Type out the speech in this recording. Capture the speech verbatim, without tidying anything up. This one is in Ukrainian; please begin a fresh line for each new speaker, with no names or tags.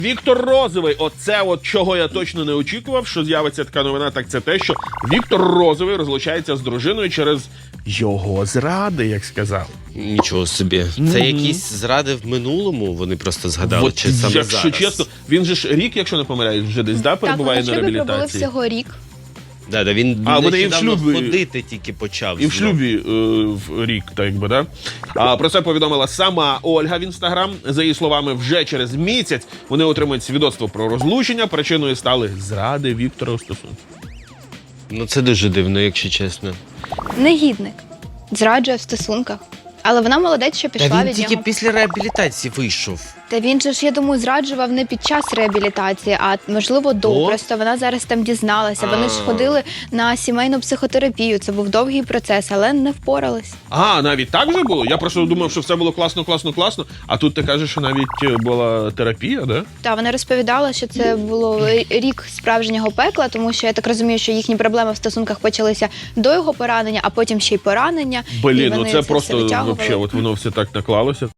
Віктор Розовий, оце от чого я точно не очікував, що з'явиться така новина, так це те, що Віктор Розовий розлучається з дружиною через його зради, як сказав.
Нічого собі. Це
Мгм.
якісь зради в минулому, вони просто згадали,
От,
чи саме
якщо
зараз?
чесно, він же ж рік, якщо не помиляюсь, вже десь, да, перебуває
так,
на
вони в шлюбі пробули
реабілітації.
всього рік.
Да, да, він
А, вони і в
нещодавно
шлюбі-
ходити тільки почав.
І в
знов.
шлюбі е, в рік, так якби, да? А, про це повідомила сама Ольга в Інстаграм. За її словами, вже через місяць вони отримають свідоцтво про розлучення. Причиною стали зради Віктора у стосунках.
Ну це дуже дивно, якщо чесно.
Негідник. Зраджує в стосунках. Але вона молодець, що пішла
Та він
від
тільки
нього.
після реабілітації вийшов.
Та він же ж, я думаю, зраджував не під час реабілітації, а можливо до.
О.
Просто вона зараз там дізналася. Вони ж
А.
ходили на сімейну психотерапію. Це був довгий процес, але не впорались.
А, навіть так вже було? Я просто думав, що все було класно, класно, класно. А тут ти кажеш, що навіть е, була терапія, да?
Та вона розповідала, що це було рік справжнього пекла, тому що я так розумію, що їхні проблеми в стосунках почалися до його поранення, а потім ще й поранення. І
Блін, ну
вони
це
все
просто
витягували.
вообще, от воно все так наклалося.